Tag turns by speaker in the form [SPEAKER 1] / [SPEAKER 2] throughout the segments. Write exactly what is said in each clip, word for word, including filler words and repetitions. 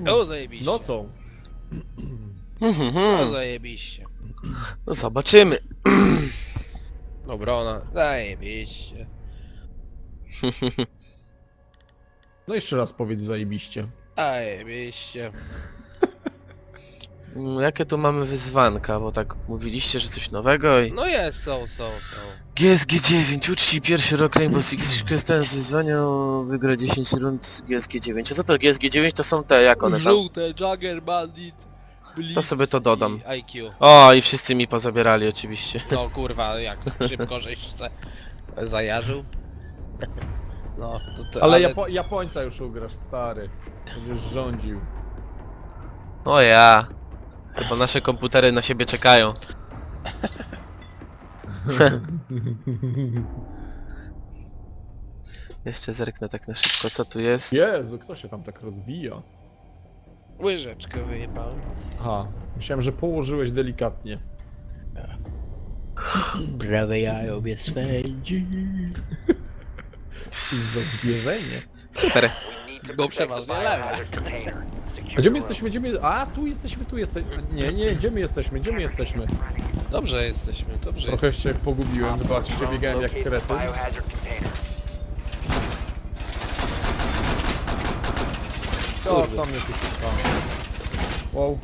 [SPEAKER 1] O, zajebiście.
[SPEAKER 2] Nocą.
[SPEAKER 1] O, zajebiście.
[SPEAKER 3] No zobaczymy.
[SPEAKER 1] Obrona. Zajebiście.
[SPEAKER 2] No jeszcze raz powiedz zajebiście.
[SPEAKER 1] Zajebiście.
[SPEAKER 3] Mm, Jakie tu mamy wyzwanka, bo tak mówiliście, że coś nowego i...
[SPEAKER 1] No jest, są, są, są.
[SPEAKER 3] G S G dziewięć, uczci pierwszy rok Rainbow Six, korzystając z wyzwania, wygra dziesięć rund G S G dziewięć. A co to G S G dziewięć? To są te, jak one tam...
[SPEAKER 1] Żółte, Jagger, Bandit, Blitz
[SPEAKER 3] To sobie to dodam.
[SPEAKER 1] i I Q.
[SPEAKER 3] O, i wszyscy mi pozabierali oczywiście.
[SPEAKER 1] No kurwa, jak szybko żeś se zajarzył. No, to, to,
[SPEAKER 2] Ale, ale... Japo Japońca już ugrasz, stary. Będziesz rządził.
[SPEAKER 3] O ja. Chyba nasze komputery na siebie czekają. Jeszcze zerknę tak na szybko, co tu jest.
[SPEAKER 2] Jezu, kto się tam tak rozbija?
[SPEAKER 1] Łyżeczkę wyjebałem.
[SPEAKER 2] Aha, myślałem, że położyłeś delikatnie.
[SPEAKER 1] Prawe jajo mnie swędzi.
[SPEAKER 2] Co za zwierzenie.
[SPEAKER 3] Super.
[SPEAKER 1] Bo przeważnie lewe.
[SPEAKER 2] A gdzie my jesteśmy? Gdzie my... A, tu jesteśmy, tu jesteśmy. Nie, nie, gdzie my jesteśmy? Gdzie my jesteśmy?
[SPEAKER 1] Dobrze jesteśmy, dobrze
[SPEAKER 2] Trochę się pogubiłem, zobaczcie, biegałem jak kretyn. O, tam mnie tu szuka. Wow.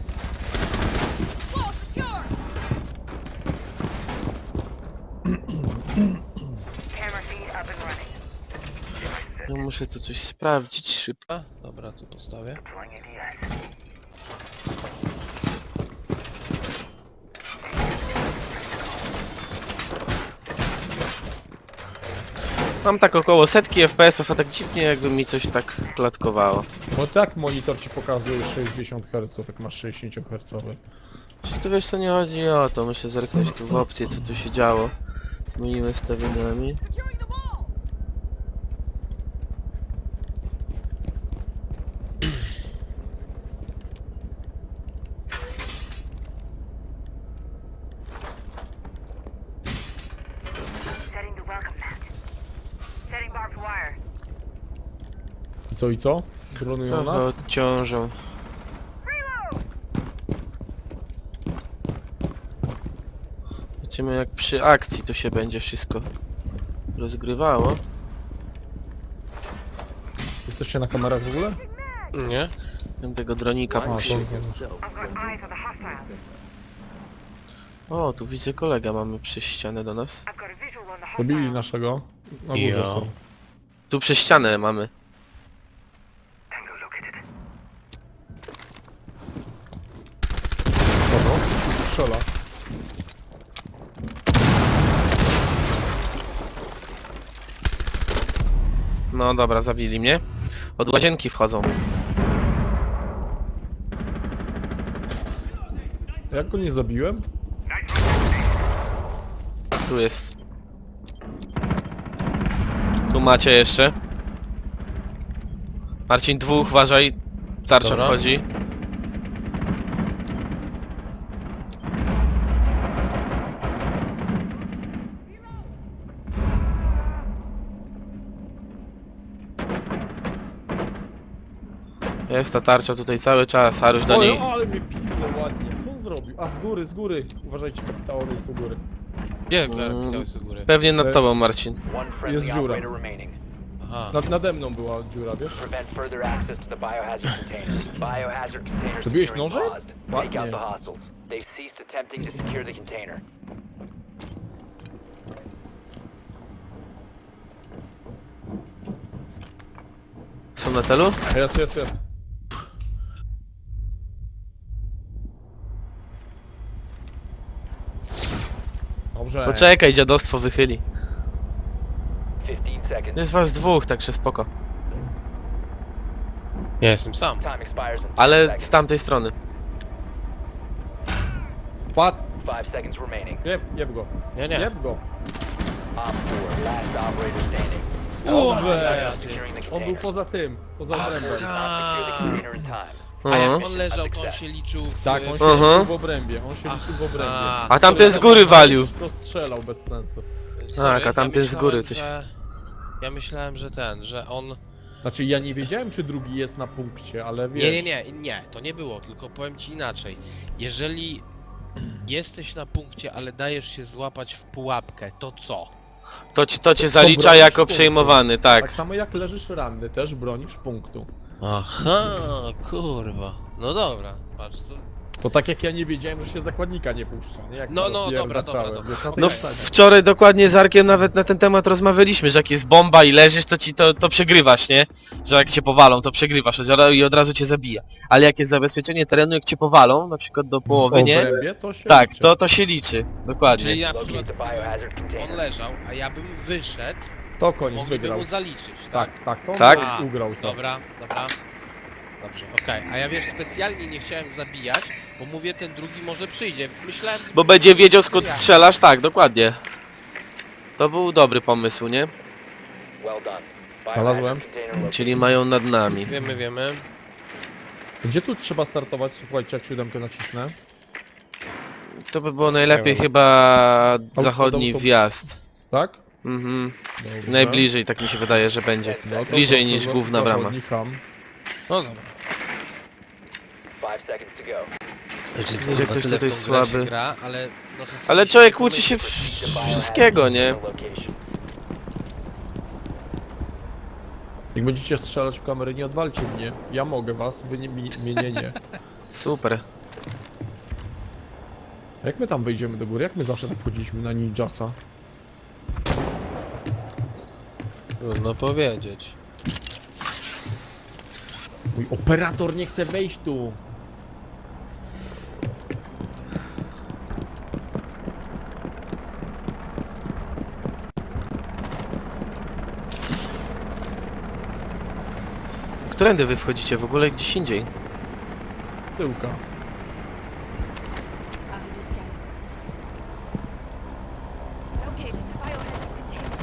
[SPEAKER 3] No muszę tu coś sprawdzić szybko.
[SPEAKER 1] A, dobra, tu postawię.
[SPEAKER 3] Mam tak około setki F P S ów, a tak dziwnie jakby mi coś tak klatkowało.
[SPEAKER 2] No tak, monitor ci pokazuje sześćdziesiąt herców, jak masz sześćdziesiąt hercowy.
[SPEAKER 3] Czy tu wiesz co nie chodzi o to? Muszę zerknąć tu w opcję, co tu się działo z moimi ustawieniami.
[SPEAKER 2] I co, i co? Dronują
[SPEAKER 3] Trochę
[SPEAKER 2] nas?
[SPEAKER 3] odciążą. Zobaczymy jak przy akcji to się będzie wszystko rozgrywało.
[SPEAKER 2] Jesteście na kamerach w ogóle?
[SPEAKER 1] Nie?
[SPEAKER 3] Ten tego dronika
[SPEAKER 2] A,
[SPEAKER 3] musi.
[SPEAKER 2] to...
[SPEAKER 3] O, tu widzę kolega mamy przez ścianę do nas.
[SPEAKER 2] Dobili naszego. Na górze
[SPEAKER 1] Jo.
[SPEAKER 2] są.
[SPEAKER 3] Tu przez ścianę mamy.
[SPEAKER 2] Kogo? Strzela.
[SPEAKER 3] No dobra, zabili mnie. Od łazienki wchodzą.
[SPEAKER 2] Jak go nie zabiłem?
[SPEAKER 3] Tu jest. Tu macie jeszcze. Marcin, dwóch, uważaj. Tarcza
[SPEAKER 1] Dobra.
[SPEAKER 3] wchodzi. Jest ta tarcza tutaj cały czas, Aruś do
[SPEAKER 2] Oj,
[SPEAKER 3] niej.
[SPEAKER 2] ale mnie pizło ładnie. Co on zrobił? A, z góry, z góry. Uważajcie, kapitałory jest u góry.
[SPEAKER 1] Gdzie
[SPEAKER 3] Mm.
[SPEAKER 1] kapitał z góry?
[SPEAKER 3] Pewnie nad tobą, Marcin.
[SPEAKER 2] Jest dziura.
[SPEAKER 1] Aha.
[SPEAKER 2] Nad, nade mną była dziura, wiesz?
[SPEAKER 4] Zrobiłeś
[SPEAKER 2] Zrobiłeś nożem?
[SPEAKER 4] Ładnie.
[SPEAKER 2] Ładnie.
[SPEAKER 3] Są na celu?
[SPEAKER 2] Jest, jest, jest. Dobrze.
[SPEAKER 3] Poczekaj, dziadostwo wychyli. Jest was dwóch, także spoko.
[SPEAKER 1] Ja jestem sam.
[SPEAKER 3] Ale z tamtej strony.
[SPEAKER 2] Pad! Jeb, jeb go.
[SPEAKER 1] Nie, nie.
[SPEAKER 2] Jeb go.
[SPEAKER 1] O,
[SPEAKER 2] Dobrze.
[SPEAKER 1] ja,
[SPEAKER 2] On był poza tym, poza obrębem.
[SPEAKER 1] A jak
[SPEAKER 3] Mhm.
[SPEAKER 1] on leżał, to on się liczył w...
[SPEAKER 2] Tak, on się
[SPEAKER 3] Aha.
[SPEAKER 2] liczył w obrębie, on się liczył w obrębie.
[SPEAKER 1] A,
[SPEAKER 3] A tamten z góry walił.
[SPEAKER 2] To strzelał bez sensu.
[SPEAKER 1] sorry,
[SPEAKER 3] Tak, a tamten z
[SPEAKER 1] myślałem,
[SPEAKER 3] góry coś-
[SPEAKER 1] że- Ja myślałem, że ten, że on
[SPEAKER 2] Znaczy ja nie wiedziałem, czy drugi jest na punkcie, ale wiesz...
[SPEAKER 1] Nie, nie, nie, nie, to nie było, tylko powiem ci inaczej. Jeżeli jesteś na punkcie, ale dajesz się złapać w pułapkę, to co?
[SPEAKER 3] To, ci, to cię zalicza
[SPEAKER 2] bronisz
[SPEAKER 3] jako
[SPEAKER 2] punktu.
[SPEAKER 3] przejmowany, tak.
[SPEAKER 2] Tak samo jak leżysz ranny, też bronisz punktu.
[SPEAKER 1] Aha, kurwa. No dobra, patrz tu.
[SPEAKER 2] To tak jak ja nie wiedziałem, że się zakładnika nie puszcza, nie? Jak
[SPEAKER 1] No,
[SPEAKER 2] to
[SPEAKER 1] no, dobra,
[SPEAKER 2] pierdaczałem,
[SPEAKER 1] dobra, dobra.
[SPEAKER 2] wiesz, na tej
[SPEAKER 3] No
[SPEAKER 2] zasadzie.
[SPEAKER 3] wczoraj dokładnie z Arkiem nawet na ten temat rozmawialiśmy, że jak jest bomba i leżysz, to ci to, to przegrywasz, nie? Że jak cię powalą, to przegrywasz i od razu cię zabija. Ale jak jest zabezpieczenie terenu, jak cię powalą, na przykład do połowy,
[SPEAKER 2] W
[SPEAKER 3] nie?
[SPEAKER 2] obrębie to się
[SPEAKER 3] Tak,
[SPEAKER 2] liczy.
[SPEAKER 3] to, to się liczy, dokładnie.
[SPEAKER 1] Czyli na
[SPEAKER 4] Locate
[SPEAKER 1] przykład
[SPEAKER 4] the biohazard
[SPEAKER 1] on
[SPEAKER 4] container.
[SPEAKER 1] leżał, a ja bym wyszedł,
[SPEAKER 2] To koniec
[SPEAKER 1] mogliby
[SPEAKER 2] wygrał.
[SPEAKER 1] mu zaliczyć, tak?
[SPEAKER 2] Tak, tak, to
[SPEAKER 3] Tak?
[SPEAKER 2] on
[SPEAKER 1] A,
[SPEAKER 2] ugrał to.
[SPEAKER 1] Dobra, dobra. Dobrze, okej. A ja wiesz, specjalnie nie chciałem zabijać, bo mówię, ten drugi może przyjdzie. Myślałem...
[SPEAKER 3] Bo będzie wiedział skąd strzelasz, tak, dokładnie. To był dobry pomysł, nie?
[SPEAKER 4] Well done.
[SPEAKER 2] Znalazłem.
[SPEAKER 4] Biohazard container located.
[SPEAKER 3] Czyli mają nad nami.
[SPEAKER 1] Wiemy, wiemy.
[SPEAKER 2] Gdzie tu trzeba startować? Słuchajcie, jak siódemkę nacisnę.
[SPEAKER 3] To by było najlepiej
[SPEAKER 2] Nie wiem.
[SPEAKER 3] chyba
[SPEAKER 2] Auto-
[SPEAKER 3] zachodni
[SPEAKER 2] auto-
[SPEAKER 3] wjazd.
[SPEAKER 2] Tak?
[SPEAKER 3] Mhm.
[SPEAKER 2] Dobrze.
[SPEAKER 3] Najbliżej, tak mi się wydaje, że będzie.
[SPEAKER 2] No to
[SPEAKER 3] Bliżej
[SPEAKER 2] proszę,
[SPEAKER 3] niż
[SPEAKER 2] za-
[SPEAKER 3] główna brama.
[SPEAKER 2] zachodni ham.
[SPEAKER 1] No dobra.
[SPEAKER 4] Five seconds to go.
[SPEAKER 1] Wiecie,
[SPEAKER 3] Widzę,
[SPEAKER 1] kurwa,
[SPEAKER 3] że ktoś
[SPEAKER 1] tyle w
[SPEAKER 3] tutaj
[SPEAKER 1] tą grę
[SPEAKER 3] słaby.
[SPEAKER 1] się Gra, ale, no czasami
[SPEAKER 3] Ale
[SPEAKER 1] się
[SPEAKER 3] człowiek
[SPEAKER 1] nie
[SPEAKER 3] uczy się
[SPEAKER 1] pomyśli.
[SPEAKER 4] Proceed to
[SPEAKER 3] w-
[SPEAKER 4] biohazard
[SPEAKER 3] wszystkiego, nie?
[SPEAKER 4] container location.
[SPEAKER 2] Jak będziecie strzelać w kamerę, nie odwalcie mnie. Ja mogę was, wy nie, mi, mnie nie, nie.
[SPEAKER 3] Super.
[SPEAKER 2] A jak my tam wejdziemy do góry? Jak my zawsze tak wchodziliśmy na ninjasa?
[SPEAKER 1] Trudno powiedzieć.
[SPEAKER 2] Mój operator nie chce wejść tu!
[SPEAKER 3] Którędy wy wchodzicie w ogóle gdzieś indziej?
[SPEAKER 2] Tyłka.
[SPEAKER 5] I just got it. Located the biohazard container.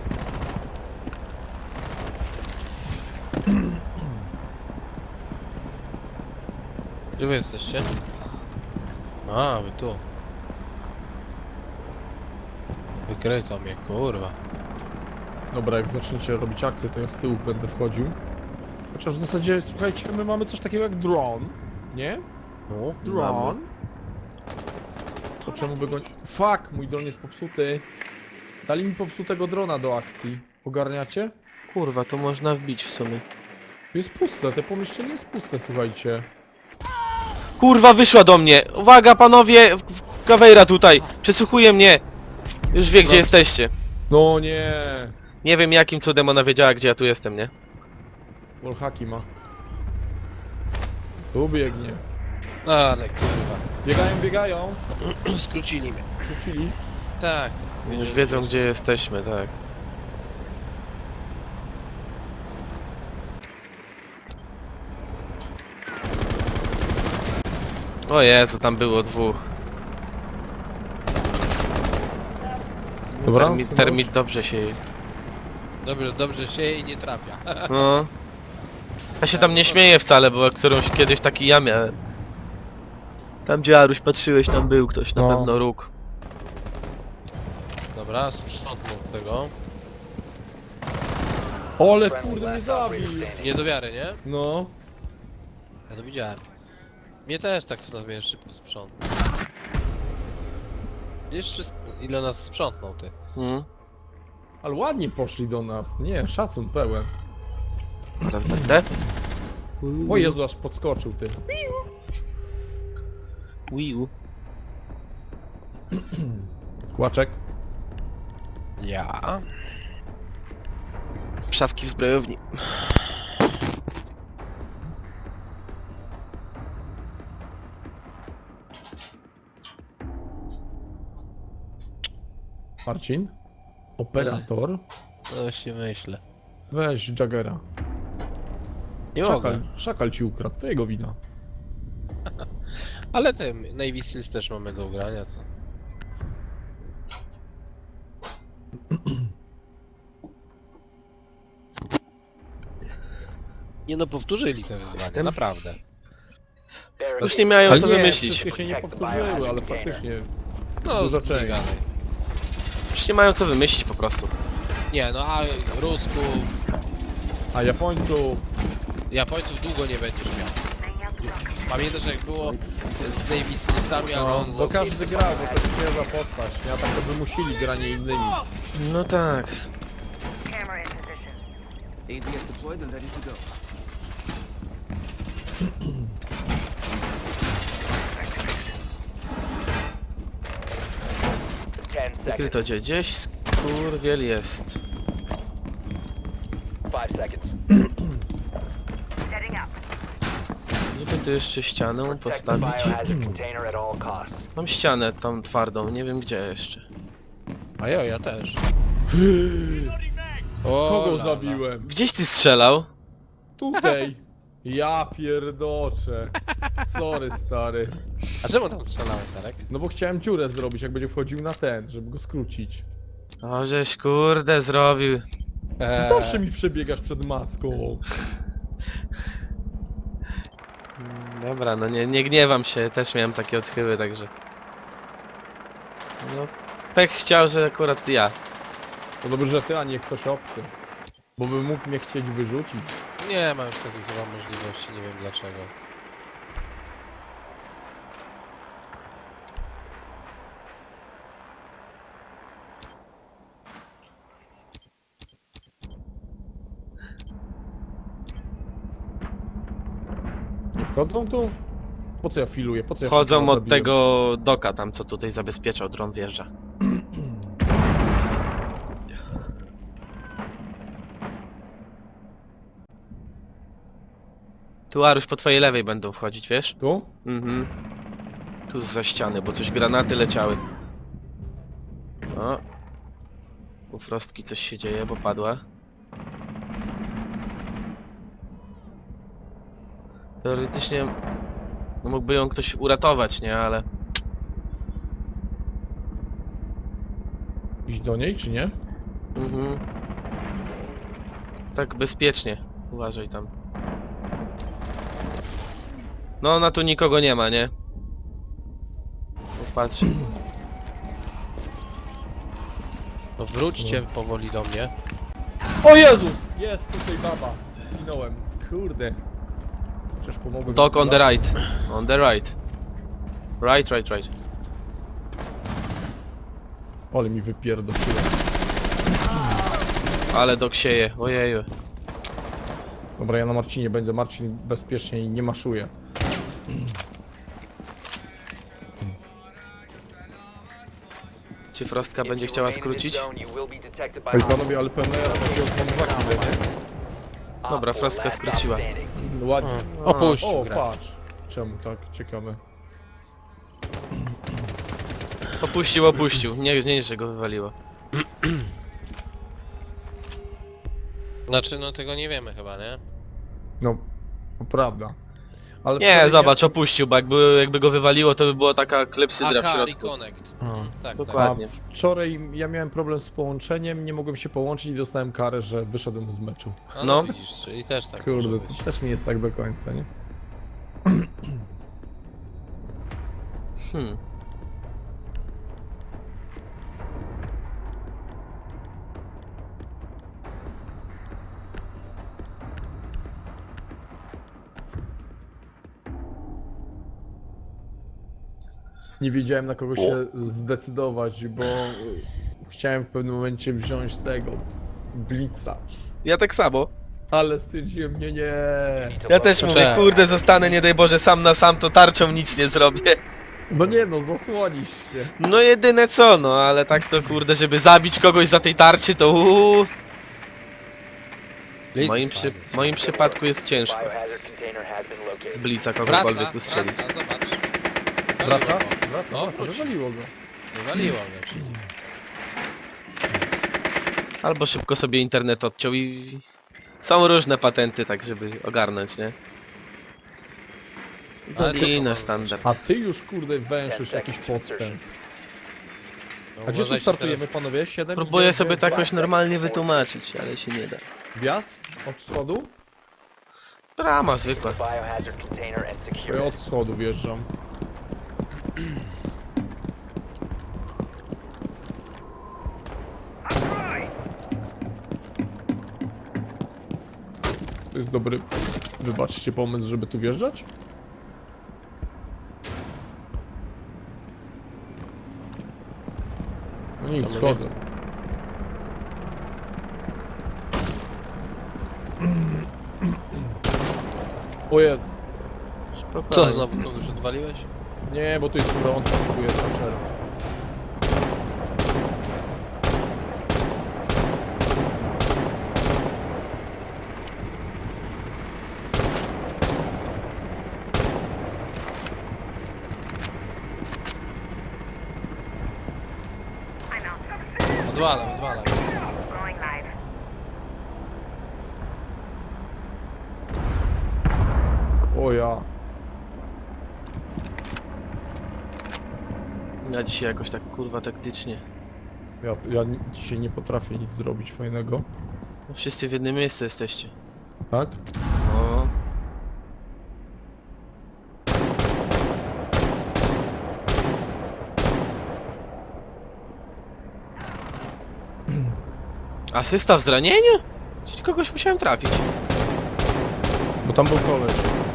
[SPEAKER 1] Gdzie wy jesteście? A, wy tu. Wykryto mnie, kurwa.
[SPEAKER 2] Dobra, jak zaczniecie robić akcję, to ja z tyłu będę wchodził. Chociaż w zasadzie, słuchajcie, my mamy coś takiego jak drone, nie?
[SPEAKER 1] No.
[SPEAKER 2] Drone. To czemu by go... Fuck, mój dron jest popsuty. Dali mi popsutego drona do akcji. Ogarniacie?
[SPEAKER 3] Kurwa, to można wbić w sumie.
[SPEAKER 2] Jest puste, te pomieszczenie jest puste, słuchajcie.
[SPEAKER 3] Kurwa, wyszła do mnie! Uwaga, panowie! w- w- Kawejra tutaj! Przesłuchuje mnie! Już wie, gdzie
[SPEAKER 2] No.
[SPEAKER 3] jesteście.
[SPEAKER 2] No nie.
[SPEAKER 3] Nie wiem, jakim cudem ona wiedziała, gdzie ja tu jestem, nie?
[SPEAKER 2] Wallhacki ma. Tu biegnie.
[SPEAKER 1] Ale kurwa.
[SPEAKER 2] Biegają, biegają.
[SPEAKER 1] Skrócili mnie.
[SPEAKER 2] Wrócili.
[SPEAKER 1] Tak.
[SPEAKER 3] Już wiedzą, gdzie jesteśmy, tak. O Jezu, tam było dwóch.
[SPEAKER 2] Dobra,
[SPEAKER 3] Termit,
[SPEAKER 2] synuś?
[SPEAKER 3] termit dobrze się...
[SPEAKER 1] Dobrze, dobrze się i nie trafia.
[SPEAKER 3] No. Ja się tam nie śmieję wcale, bo którąś kiedyś taki ja miałem. Tam gdzie Aruś patrzyłeś, tam był ktoś, na
[SPEAKER 2] No.
[SPEAKER 3] pewno róg.
[SPEAKER 1] Dobra, sprzątnął tego.
[SPEAKER 2] Ole
[SPEAKER 4] Friendly
[SPEAKER 2] kurde mnie
[SPEAKER 4] last
[SPEAKER 2] zabił.
[SPEAKER 4] operator standing.
[SPEAKER 1] Nie do wiary, nie?
[SPEAKER 2] No.
[SPEAKER 1] Ja to widziałem. Mnie też tak to nazwijesz szybko sprzątnął. Wiesz wszystko, ile nas sprzątnął ty.
[SPEAKER 3] Mhm.
[SPEAKER 2] Ale ładnie poszli do nas. Nie, szacun pełen.
[SPEAKER 3] Teraz będę.
[SPEAKER 2] O Jezu, aż podskoczył ty.
[SPEAKER 3] Wiu.
[SPEAKER 2] Kłaczek.
[SPEAKER 1] Ja?
[SPEAKER 3] Szafki w zbrojowni.
[SPEAKER 2] Marcin. Operator.
[SPEAKER 1] No właśnie myślę.
[SPEAKER 2] Weź Jaggera.
[SPEAKER 1] Nie
[SPEAKER 2] Szakal,
[SPEAKER 1] mogę.
[SPEAKER 2] szakal ci ukradł, to jego wina.
[SPEAKER 1] Ale tym Navy Seals też mamy do ugrania, co? Nie no, powtórzyli te wyzwanie,
[SPEAKER 3] Jestem-
[SPEAKER 1] naprawdę.
[SPEAKER 3] Już nie mają
[SPEAKER 2] Ale
[SPEAKER 3] co
[SPEAKER 2] nie,
[SPEAKER 3] wymyślić.
[SPEAKER 2] wszystkie się nie powtórzyły, ale faktycznie.
[SPEAKER 1] No,
[SPEAKER 2] Dużo
[SPEAKER 1] nie
[SPEAKER 2] część.
[SPEAKER 1] gadaj.
[SPEAKER 3] Już nie mają co wymyślić po prostu.
[SPEAKER 1] Nie no, a Rusków,
[SPEAKER 2] A Japońców.
[SPEAKER 1] Japońców długo nie będziesz miał. Pamiętasz jak było z Davis Smithami,
[SPEAKER 2] No,
[SPEAKER 1] Alonso?
[SPEAKER 2] bo każdy grał, bo to jest świeża postać. Ja tak to wymusili granie innymi.
[SPEAKER 3] No tak.
[SPEAKER 6] A D S deployed and ready to go.
[SPEAKER 4] Ten seconds.
[SPEAKER 3] Wykryto cię. Gdzieś skurwiel jest.
[SPEAKER 4] Five seconds.
[SPEAKER 3] Nie wiem, tu jeszcze ścianę
[SPEAKER 4] Protect the
[SPEAKER 3] postawić.
[SPEAKER 4] biohazard container at all costs.
[SPEAKER 3] Mam ścianę tam twardą, nie wiem gdzie jeszcze.
[SPEAKER 1] A ja, ja też. O,
[SPEAKER 2] Kogo
[SPEAKER 1] lala.
[SPEAKER 2] zabiłem?
[SPEAKER 3] Gdzieś ty strzelał?
[SPEAKER 2] Tutaj. Ja pierdoczę. Sorry, stary.
[SPEAKER 1] A czemu tam strzelałeś, Tarek?
[SPEAKER 2] No bo chciałem dziurę zrobić, jak będzie wchodził na ten, żeby go skrócić.
[SPEAKER 3] O, żeś kurde zrobił.
[SPEAKER 1] Eee,
[SPEAKER 2] Zawsze mi przebiegasz przed maską.
[SPEAKER 3] Dobra, no nie, nie gniewam się, też miałem takie odchyły, także... No, pech chciał, że akurat ja.
[SPEAKER 2] To dobrze, że ty, a nie ktoś obcy. Bo by mógł mnie chcieć wyrzucić.
[SPEAKER 1] Nie ma już takiej chyba możliwości, nie wiem dlaczego.
[SPEAKER 2] Nie wchodzą tu? Po co ja filuję? Po co ja
[SPEAKER 3] Wchodzą
[SPEAKER 2] wszystko
[SPEAKER 3] od
[SPEAKER 2] zabiłem?
[SPEAKER 3] tego doka tam, co tutaj zabezpieczał, dron wjeżdża. Tu Aruś po twojej lewej będą wchodzić, wiesz?
[SPEAKER 2] Tu?
[SPEAKER 3] Mhm. Tu za ściany, bo coś granaty leciały. O. U Frostki coś się dzieje, bo padła. Teoretycznie no mógłby ją ktoś uratować, nie? Ale
[SPEAKER 2] Iść do niej, czy nie?
[SPEAKER 3] mhm. Tak bezpiecznie. Uważaj tam. No ona tu nikogo nie ma, nie? Popatrz.
[SPEAKER 1] No wróćcie powoli do mnie.
[SPEAKER 2] O Jezus! Jest tutaj baba. Zginąłem. Kurde. Chociaż pomogłem.
[SPEAKER 3] Dog on the right. On the right. Right, right, right.
[SPEAKER 2] Ale mi wypierdoszyłem.
[SPEAKER 3] Ale dog sieje, ojeju.
[SPEAKER 2] Dobra, ja na Marcinie będę. Marcin bezpiecznie i nie maszuje.
[SPEAKER 3] Czy Frostka
[SPEAKER 4] If
[SPEAKER 3] będzie
[SPEAKER 4] you
[SPEAKER 3] chciała
[SPEAKER 4] remain in this
[SPEAKER 3] skrócić?
[SPEAKER 4] zone, you will be detected by
[SPEAKER 2] Ej, panowie, ale pełna jasna się są dwa kile, nie?
[SPEAKER 4] Op
[SPEAKER 3] Dobra,
[SPEAKER 4] four,
[SPEAKER 3] Frostka
[SPEAKER 4] last stop
[SPEAKER 3] skróciła.
[SPEAKER 4] standing.
[SPEAKER 2] Ładnie.
[SPEAKER 1] O, opuścił
[SPEAKER 2] O,
[SPEAKER 1] grę.
[SPEAKER 2] patrz. Czemu tak? Ciekawe.
[SPEAKER 3] Opuścił, opuścił. Nie, nie, że go wywaliło.
[SPEAKER 1] Znaczy, no tego nie wiemy chyba, nie?
[SPEAKER 2] No, to prawda. Ale
[SPEAKER 3] Nie,
[SPEAKER 2] wtedy
[SPEAKER 3] zobacz, opuścił, bo jakby, jakby go wywaliło, to by była taka klepsydra w
[SPEAKER 1] Aha,
[SPEAKER 3] środku.
[SPEAKER 1] Reconnect.
[SPEAKER 2] Hmm.
[SPEAKER 1] Tak, tak.
[SPEAKER 3] Dokładnie.
[SPEAKER 2] A wczoraj ja miałem problem z połączeniem, nie mogłem się połączyć i dostałem karę, że wyszedłem z meczu.
[SPEAKER 1] A, no,
[SPEAKER 3] No.
[SPEAKER 1] widzisz, czyli też tak
[SPEAKER 2] Kurde,
[SPEAKER 1] może
[SPEAKER 2] to
[SPEAKER 1] być.
[SPEAKER 2] też nie jest tak do końca, nie?
[SPEAKER 3] Hmm.
[SPEAKER 2] Nie wiedziałem na kogo się zdecydować, bo y, chciałem w pewnym momencie wziąć tego Blitza.
[SPEAKER 3] Ja tak samo.
[SPEAKER 2] Ale stwierdziłem, nie, nie.
[SPEAKER 3] Ja też mówię,
[SPEAKER 1] Czekaj.
[SPEAKER 3] kurde, zostanę, nie daj Boże, sam na sam, to tarczą nic nie zrobię.
[SPEAKER 2] No nie no, zasłonisz się.
[SPEAKER 3] No jedyne co, no, ale tak to kurde, żeby zabić kogoś za tej tarczy, to uuu. W
[SPEAKER 1] Blitz
[SPEAKER 3] moim,
[SPEAKER 1] jest
[SPEAKER 3] przy,
[SPEAKER 1] fajny.
[SPEAKER 3] w moim przypadku jest ciężko
[SPEAKER 4] Biohazard container has been located.
[SPEAKER 3] z blica
[SPEAKER 1] Wraca,
[SPEAKER 3] kogokolwiek ustrzelić.
[SPEAKER 1] wraca, zobacz.
[SPEAKER 2] Wraca?
[SPEAKER 1] Wywaliło go.
[SPEAKER 2] Wraca,
[SPEAKER 1] No,
[SPEAKER 2] wraca,
[SPEAKER 1] wróć.
[SPEAKER 2] wywaliło go.
[SPEAKER 1] Wywaliło mnie, czyli.
[SPEAKER 3] Albo szybko sobie internet odciął i... Są różne patenty, tak żeby ogarnąć, nie?
[SPEAKER 1] Ale to
[SPEAKER 3] Dolina
[SPEAKER 1] powoli
[SPEAKER 3] standard.
[SPEAKER 2] A ty już kurde węszysz jakiś podstęp.
[SPEAKER 1] No,
[SPEAKER 2] A gdzie tu
[SPEAKER 1] uważajcie
[SPEAKER 2] startujemy panowie? siedem?
[SPEAKER 3] Próbuję
[SPEAKER 2] dziewięć,
[SPEAKER 3] sobie to
[SPEAKER 2] dwa?
[SPEAKER 3] jakoś normalnie wytłumaczyć, ale się nie da.
[SPEAKER 2] Wjazd? Od schodu?
[SPEAKER 3] Drama zwykła.
[SPEAKER 4] Biohazard container and
[SPEAKER 2] To
[SPEAKER 4] secure
[SPEAKER 2] ja
[SPEAKER 4] it.
[SPEAKER 2] od schodu wjeżdżam. jest dobry, wybaczcie, pomysł, żeby tu wjeżdżać? No nic,
[SPEAKER 1] To my
[SPEAKER 2] schodzę. O Jezu.
[SPEAKER 3] Spokojnie.
[SPEAKER 1] Co, znowu kogoś odwaliłeś?
[SPEAKER 2] Nie, bo tu jest prąd, potrzebuję znaczera.
[SPEAKER 1] Odwalam, odwalam.
[SPEAKER 2] O ja.
[SPEAKER 3] Ja dzisiaj jakoś tak kurwa taktycznie.
[SPEAKER 2] Ja, ja ni- dzisiaj nie potrafię nic zrobić fajnego.
[SPEAKER 3] No wszyscy w jednym miejscu jesteście.
[SPEAKER 2] Tak?
[SPEAKER 3] No. Asysta w zranieniu? Czyli kogoś musiałem trafić.
[SPEAKER 2] Bo tam był koleś.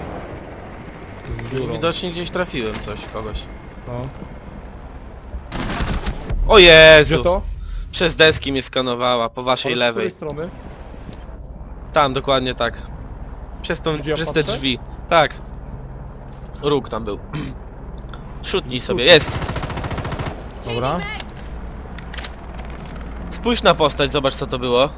[SPEAKER 2] Z dziurą.
[SPEAKER 3] Widocznie gdzieś trafiłem coś, kogoś.
[SPEAKER 2] No.
[SPEAKER 3] O
[SPEAKER 2] Gdzie
[SPEAKER 3] Jezu!
[SPEAKER 2] to?
[SPEAKER 3] Przez deski mnie skanowała, po waszej
[SPEAKER 2] Ale z
[SPEAKER 3] lewej.
[SPEAKER 2] której strony?
[SPEAKER 3] Tam, dokładnie tak. Przez, tą,
[SPEAKER 2] Gdzie ja
[SPEAKER 3] przez te
[SPEAKER 2] patrzę?
[SPEAKER 3] drzwi. Tak. Róg tam był. Szutnij sobie, jest!
[SPEAKER 2] Dobra.
[SPEAKER 3] Spójrz na postać, zobacz co to było.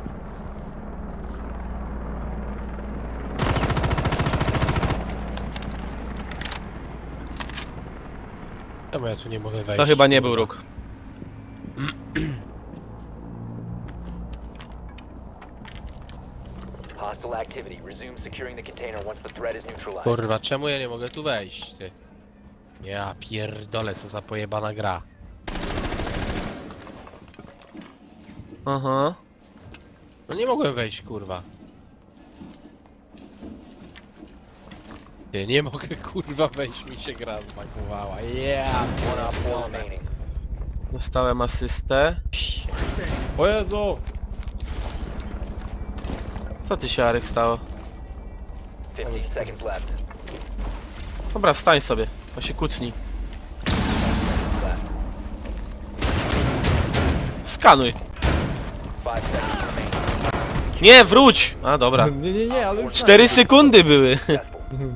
[SPEAKER 1] Czemu ja tu nie mogę wejść?
[SPEAKER 3] To chyba nie był róg.
[SPEAKER 4] Hostile activity. Resume securing the container once the threat is neutralized.
[SPEAKER 1] Kurwa, czemu ja nie mogę tu wejść, ty? Ja pierdolę, co za pojebana gra.
[SPEAKER 3] Aha.
[SPEAKER 1] No nie mogłem wejść, kurwa. Nie, nie mogę, kurwa, wejść, mi się gra zbagowała. Yeah!
[SPEAKER 4] One op four remaining.
[SPEAKER 3] Dostałem asystę.
[SPEAKER 2] O Jezu!
[SPEAKER 3] Co ty się, Arek, stało?
[SPEAKER 4] fifteen seconds left.
[SPEAKER 3] Dobra, wstań sobie. To się kucnij. Skanuj.
[SPEAKER 4] Five seconds remaining.
[SPEAKER 3] Nie, wróć! A, dobra.
[SPEAKER 2] Nie, nie, nie, ale już
[SPEAKER 3] Cztery sekundy były.
[SPEAKER 4] Successful.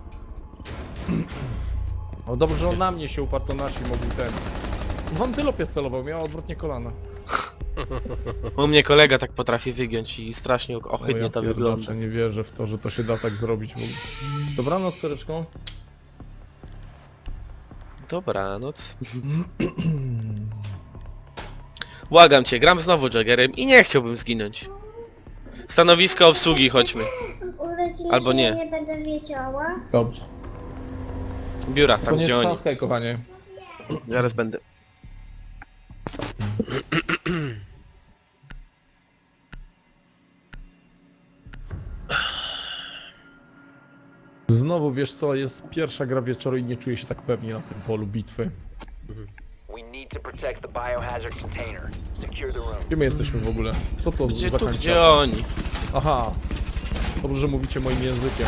[SPEAKER 2] No dobrze, że on na mnie się uparł, to nasi mogli ten. W antylopie celował, miał odwrotnie kolana.
[SPEAKER 3] U mnie kolega tak potrafi wygiąć i strasznie
[SPEAKER 2] O,
[SPEAKER 3] ohydnie
[SPEAKER 2] ja
[SPEAKER 3] to
[SPEAKER 2] pierdolę,
[SPEAKER 3] wygląda.
[SPEAKER 2] nie wierzę w to, że to się da tak zrobić w ogóle. Dobranoc, córeczką.
[SPEAKER 3] Dobranoc. Błagam cię, gram znowu Jaggerem i nie chciałbym zginąć. Stanowisko obsługi, chodźmy.
[SPEAKER 7] Urodziny
[SPEAKER 3] Albo
[SPEAKER 7] się
[SPEAKER 3] nie.
[SPEAKER 7] nie będę wiedziała.
[SPEAKER 2] Dobrze.
[SPEAKER 3] Biura,
[SPEAKER 2] To
[SPEAKER 3] tam
[SPEAKER 2] nie
[SPEAKER 3] gdzie oni.
[SPEAKER 2] trzaskaj, kochanie.
[SPEAKER 3] Zaraz będę.
[SPEAKER 2] Znowu, wiesz co, jest pierwsza gra wieczoru i nie czuję się tak pewnie na tym polu bitwy.
[SPEAKER 4] We need to protect the biohazard container. Secure the room.
[SPEAKER 2] Gdzie my jesteśmy w ogóle? Co to
[SPEAKER 3] Gdzie
[SPEAKER 2] za
[SPEAKER 3] tu,
[SPEAKER 2] kanciapa?
[SPEAKER 3] gdzie oni?
[SPEAKER 2] Aha. Dobrze, że mówicie moim językiem.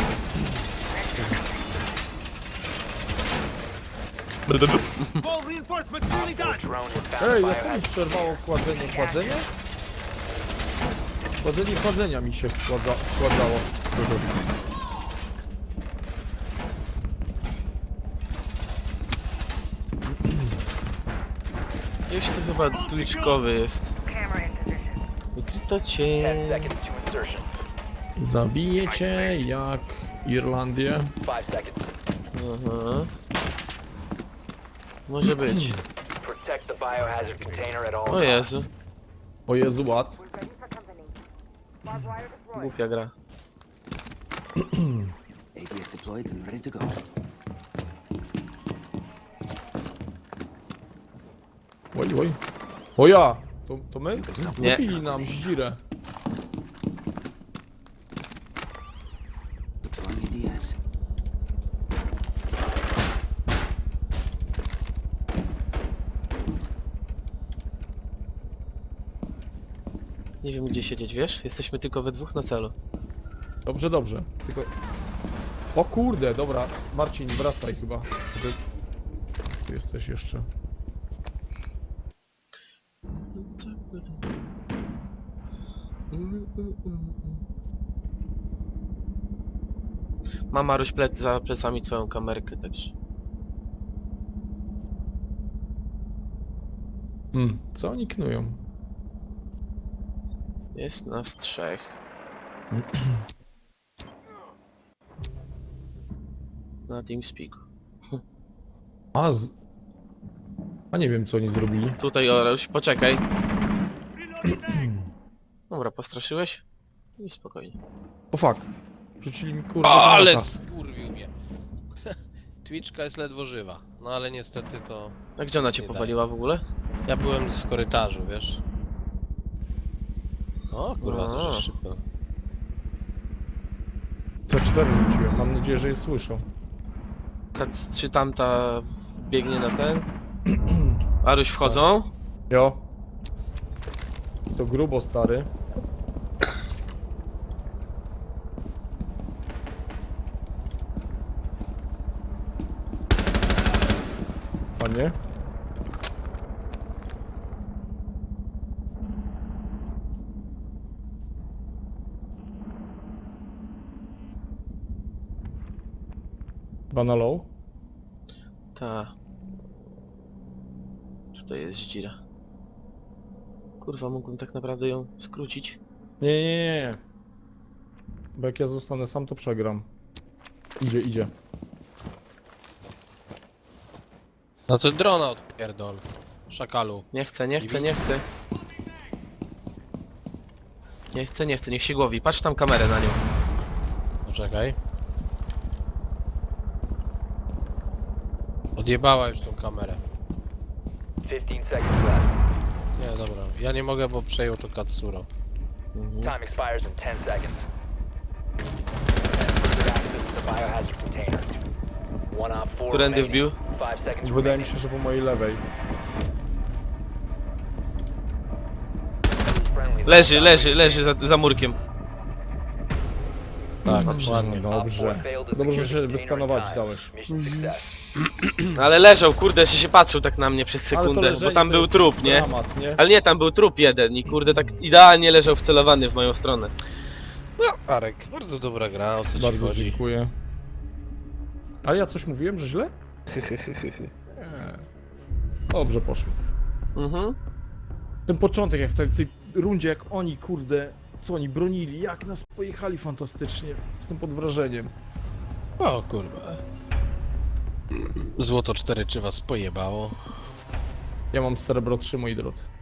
[SPEAKER 6] Full reinforcements nearly done.
[SPEAKER 4] Drone has found
[SPEAKER 2] Ej,
[SPEAKER 4] the
[SPEAKER 2] a co mi
[SPEAKER 4] biohazard
[SPEAKER 2] przerwało kładzenie? Kładzenie? Kładzenie kładzenia mi się składza, składało.
[SPEAKER 3] Gdzieś tu chyba tliczkowy jest. Wykryto cię.
[SPEAKER 4] ten seconds to insertion.
[SPEAKER 2] Zabiję cię jak Irlandię.
[SPEAKER 4] Five seconds.
[SPEAKER 3] Aha. Może być.
[SPEAKER 4] Protect the biohazard container at all
[SPEAKER 3] O
[SPEAKER 4] times.
[SPEAKER 3] Jezu.
[SPEAKER 2] O Jezu, ład.
[SPEAKER 3] Głupia gra.
[SPEAKER 6] A D S deployed and ready to go.
[SPEAKER 2] Oj, oj. O ja! To, to my?
[SPEAKER 3] Nie.
[SPEAKER 2] Zabili nam zdzirę.
[SPEAKER 6] Deploying A D S.
[SPEAKER 3] Nie wiem gdzie siedzieć, wiesz? Jesteśmy tylko we dwóch na celu.
[SPEAKER 2] Dobrze, dobrze. Tylko... O kurde, dobra. Marcin, wracaj chyba. Czy ty... Tu jesteś jeszcze.
[SPEAKER 3] Mam Maruś plec za plecami twoją kamerkę, także...
[SPEAKER 2] Hmm, co oni knują?
[SPEAKER 3] Jest nas trzech. Na TeamSpeaku.
[SPEAKER 2] A z... A nie wiem co oni zrobili.
[SPEAKER 3] Tutaj Oruś, poczekaj. Dobra, postraszyłeś? I spokojnie.
[SPEAKER 2] O fuck. Rzucili mi kurde
[SPEAKER 1] Ale
[SPEAKER 2] granata.
[SPEAKER 1] skurwił mnie. Twitchka jest ledwo żywa. No ale niestety to...
[SPEAKER 3] A gdzie ona cię
[SPEAKER 1] Nie
[SPEAKER 3] powaliła w ogóle?
[SPEAKER 1] Ja byłem w korytarzu, wiesz? O kurwa, to
[SPEAKER 3] A.
[SPEAKER 1] że szybko.
[SPEAKER 2] C cztery rzuciłem, mam nadzieję, że je słyszą.
[SPEAKER 3] Kat- Czy tamta biegnie na ten? Aruś wchodzą?
[SPEAKER 2] Jo. I to grubo, stary. Panie? Banalow?
[SPEAKER 3] Ta. Tutaj jest dzira. Kurwa, mógłbym tak naprawdę ją skrócić.
[SPEAKER 2] Nie, nie, nie, nie. Bo jak ja zostanę sam, to przegram. Idzie, idzie.
[SPEAKER 1] No to drona odpierdol. Szakalu.
[SPEAKER 3] Nie chcę, nie chcę, nie chcę. Nie chcę, nie chcę, niech się głowi. Patrz tam kamerę na nią.
[SPEAKER 1] Poczekaj. Odjebała już tą kamerę.
[SPEAKER 4] fifteen seconds left.
[SPEAKER 1] Nie, dobra. Ja nie mogę, bo przejął to Katsuro.
[SPEAKER 3] Mhm.
[SPEAKER 4] Time expires in ten seconds. Limited access to the biohazard container. One op four
[SPEAKER 3] Którędy
[SPEAKER 4] remaining.
[SPEAKER 3] wbił?
[SPEAKER 4] Five seconds
[SPEAKER 2] Wydaje mi
[SPEAKER 4] remaining.
[SPEAKER 2] się, że po mojej lewej.
[SPEAKER 4] Friendly
[SPEAKER 3] Leży,
[SPEAKER 4] last
[SPEAKER 3] leży,
[SPEAKER 4] operator
[SPEAKER 3] leży za, za murkiem.
[SPEAKER 1] Tak,
[SPEAKER 2] Dobrze,
[SPEAKER 1] ładnie.
[SPEAKER 2] no dobrze. Dobrze, że się wyskanować dałeś.
[SPEAKER 4] Mission success.
[SPEAKER 3] Ale leżał, kurde, jeszcze się patrzył tak na mnie przez
[SPEAKER 2] Ale to
[SPEAKER 3] sekundę,
[SPEAKER 2] leżenie
[SPEAKER 3] bo tam
[SPEAKER 2] to
[SPEAKER 3] był
[SPEAKER 2] jest
[SPEAKER 3] trup, nie?
[SPEAKER 2] Dramat, nie?
[SPEAKER 3] Ale nie, tam był trup jeden i kurde tak idealnie leżał wcelowany w moją stronę.
[SPEAKER 1] No, Arek, bardzo dobra gra, o co ci
[SPEAKER 2] Bardzo
[SPEAKER 1] chodzi?
[SPEAKER 2] dziękuję. A ja coś mówiłem, że źle? Nie. Dobrze poszło.
[SPEAKER 3] Mhm.
[SPEAKER 2] Ten początek, jak w tej, w tej rundzie, jak oni, kurde, co oni bronili, jak nas pojechali fantastycznie. Jestem pod wrażeniem.
[SPEAKER 1] O kurwa. Złoto cztery czy was pojebało?
[SPEAKER 2] Ja mam Cerebro trzy, moi drodzy.